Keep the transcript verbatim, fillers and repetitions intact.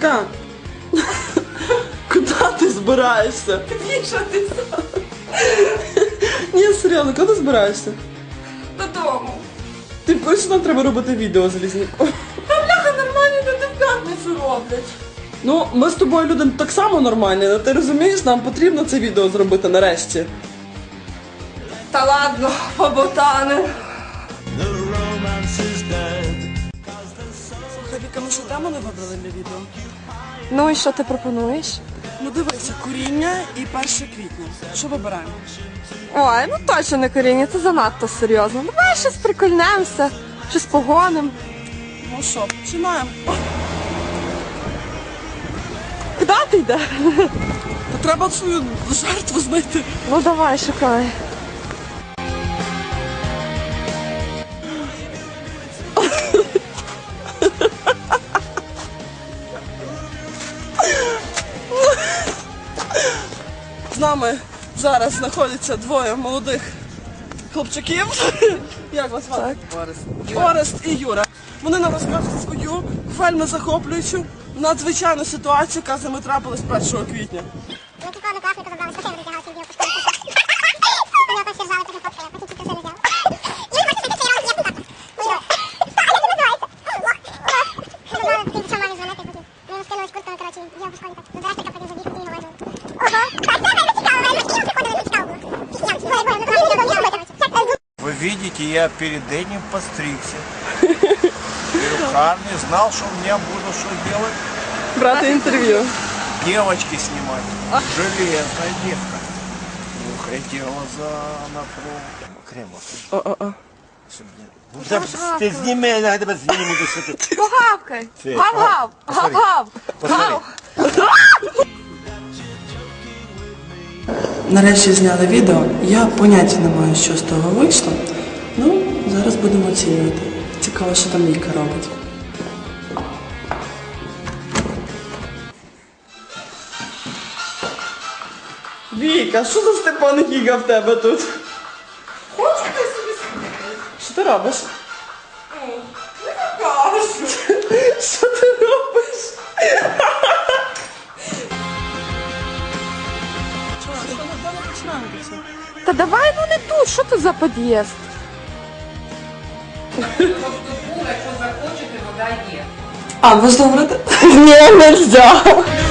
Віка, куди ти збираєшся? Вішатися. Ні, серйозно, куди ти збираєшся? Додому. Ти пишеш, нам треба робити відео з Лізняком. Та бляха, нормальні люди в п'ятницю роблять. Ну, ми з тобою люди так само нормальні, але ти розумієш, нам потрібно це відео зробити нарешті. Та ладно, поботани. Слухай, Віка, ми що тему не вибрали для відео? Ну і що ти пропонуєш? Ну дивися, куріння і перше квітня. Що вибираємо? Ой, ну точно не коріння, це занадто серйозно. Давай щось прикольнемося, щось погоним. Ну що, починаємо. Куди ти йдеш? Та треба свою жертву знайти. Ну давай, шукай. З нами зараз знаходяться двоє молодих хлопчаків. Як вас звати? Орест. Орест і Юра. Вони нам розкажуть свою вельми захоплюючу, надзвичайну ситуацію, яка з ними трапилась першого квітня. Ми купили класника, забрали сухим, витягали свій білку школу. Вони опять держали, потім фоткали, потім тільки все взяли. І ми хочемо цей раз, як так. А як він називається? Ми забрали, потім почав мамі дзвонити, потім. Ми йому скинули з куртками, коротше, я в школі так. До директора потім забіг, потім його визвали. Ого, так це вельми цікаво, вельми. І приходили, цікаво було. Пісня, двоє, двоє, ми трохи не дов'яли, коротше. Вы видите, я перед этим постригся. Перукарный знал, что у меня буду что делать. Брати інтерв'ю. Девочки снимать. Железная девка. Уходила за напругу. Кремов. О-о-о. Ти зніми, я тебе зніму до сюди. Погавкай. Ти, Гав-гав. Гав-гав. Гав. Нарешті зняли відео. Я поняття не маю, що з того вийшло. Ну, зараз будемо оцінювати. Цікаво, що там Віка робить. Віка, що за Степан Гіга в тебе тут? Хочу ти собі слухати? Що ти робиш? Не покажу. Що ти робиш? Та давай, ну не тут, що це за під'їзд? А, можна говорити? Ні, нельзя.